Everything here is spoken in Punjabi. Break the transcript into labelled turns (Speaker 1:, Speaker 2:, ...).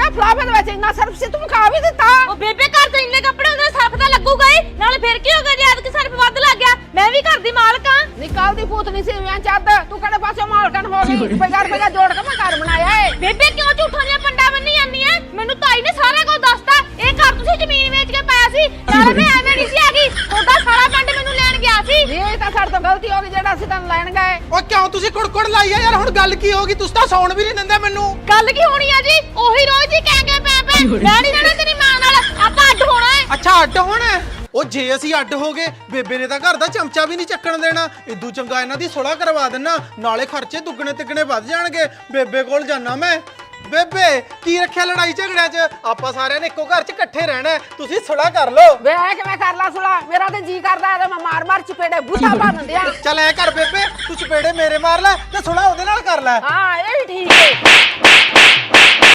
Speaker 1: ਫਲਾਫੇ ਦੇ ਵਿੱਚ ਇੰਨਾ ਸਰਫ ਸੀ ਤੂੰ ਖਾ ਵੀ ਦਿੱਤਾ।
Speaker 2: ਉਹ ਬੇਬੇ ਘਰ ਤੇ ਇੰਨੇ ਕੱਪੜੇ ਉਹਦੇ ਸਰਫ ਤਾਂ ਲੱਗੂਗਾ ਹੀ, ਨਾਲੇ ਫਿਰ ਕੀ ਹੋ ਗਿਆ ਜੇ ਐਤਕੀ ਸਰਫ ਵੱਧ ਲੱਗ ਗਿਆ। ਮੈਂ ਵੀ ਘਰ ਦੀ ਮਾਲਕ ਆ।
Speaker 1: ਨਿਕਾਲ ਦੀ ਭੂਤ ਨਹੀਂ ਸੀ ਵਿਆਹ ਚੱਦ ਤੂੰ ਕਿਹੜੇ ਪਾਸੇ ਮਾਲਕਣ ਹੋ ਗਈ। ਰੁਪਇਆ ਜੋੜ ਕੇ ਮੈਂ ਘਰ ਬਣਾਇਆ ਏ।
Speaker 2: ਬੇਬੇ ਕਿਉਂ ਝੂਠਾਂ ਦੀਆਂ ਪੰਡਾ ਬੰਨੀ ਜਾਂਦੀ ਐ? ਮੈਨੂੰ ਤਾਈ ਨੇ ਸਾਰਾ ਕੁਝ ਦੱਸਤਾ। ਇਹ ਘਰ ਤੁਸੀਂ ਜ਼ਮੀਨ ਵੇਚ ਕੇ ਪਾਇਆ ਸੀ, ਨਾਲੇ ਮੈਂ ਐਵੇਂ ਨਹੀਂ ਸੀ ਹੈਗੀ। ਤੁਹਾਡਾ ਸਾਰਾ ਪਿੰਡ ਮੈਨੂੰ ਲੈਣ ਗਿਆ ਸੀ।
Speaker 1: ਇਹ ਤਾਂ ਸਾਡੇ ਤੋਂ ਗਲਤੀ ਹੋ ਗਈ ਜਿਹੜਾ ਅਸੀਂ ਤੈਨੂੰ ਲੈਣ ਗਏ।
Speaker 3: ਓ ਕਿਉਂ ਤੁਸੀਂ ਕੁੜਕੁੜ ਲਾਈ ਆ ਯਾਰ? ਹੁਣ ਗੱਲ ਕੀ ਹੋ ਗਈ? ਤੁਸੀਂ ਤਾਂ ਸੌਣ ਵੀ ਨਹੀਂ ਦਿੰਦੇ ਮੈਨੂੰ।
Speaker 2: ਗੱਲ ਕੀ ਹੋਣੀ ਆ ਜੀ? ਉਹੀ ਰੋਜ਼ ਹੀ ਕਹਿ ਪੈ ਮੈਂ ਨਹੀਂ ਰਹਿਣਾ ਤੇਰੀ ਮਾਂ ਨਾਲ, ਆਪਾਂ ਅੱਡ ਹੋਣਾ ਹੈ।
Speaker 3: ਅੱਛਾ ਅੱਡ ਹੋਣਾ ਹੈ? ਉਹ ਜੇ ਅਸੀਂ ਅੱਡ ਹੋ ਗਏ ਬੇਬੇ ਨੇ ਤਾਂ ਘਰ ਦਾ ਚਮਚਾ ਵੀ ਨਹੀਂ ਚੱਕਣ ਦੇਣਾ। ਇਦੂ ਚੰਗਾ ਇਹਨਾਂ ਦੀ ਸੁਲਾਹ ਕਰਵਾ ਦੇਣਾ, ਨਾਲੇ ਖਰਚੇ ਦੁੱਗਣੇ ਤਿੱਗਣੇ ਵੱਧ ਜਾਣਗੇ। ਬੇਬੇ ਕੋਲ ਜਾਣਾ ਮੈਂ। ਬੇਬੇ ਕੀ ਰੱਖਿਆ ਲੜਾਈ ਝਗੜਿਆਂ 'ਚ? ਆਪਾਂ ਸਾਰਿਆਂ ਨੇ ਇੱਕੋ ਘਰ 'ਚ ਇਕੱਠੇ ਰਹਿਣਾ, ਤੁਸੀਂ ਸੁਲਾਹ ਕਰ ਲਓ।
Speaker 1: ਵੇ ਕਿਵੇਂ ਕਰ ਲਾ ਸੁਲਾ? ਮੇਰਾ ਤੇ ਜੀ ਕਰਦਾ ਤੇ ਮੈਂ ਮਾਰ ਚਪੇੜੇ ਬੁੱਧਾ ਬਣ ਦਿਆਂ।
Speaker 3: ਚੱਲ ਐ ਕਰ ਬੇਬੇ, ਤੂੰ ਚਪੇੜੇ ਮੇਰੇ ਮਾਰ ਲੈ ਤੇ ਸੁਲਾਹ ਉਹਦੇ ਨਾਲ ਕਰ ਲੈ।
Speaker 1: ਹਾਂ ਇਹ ਵੀ ਠੀਕ ਹੈ।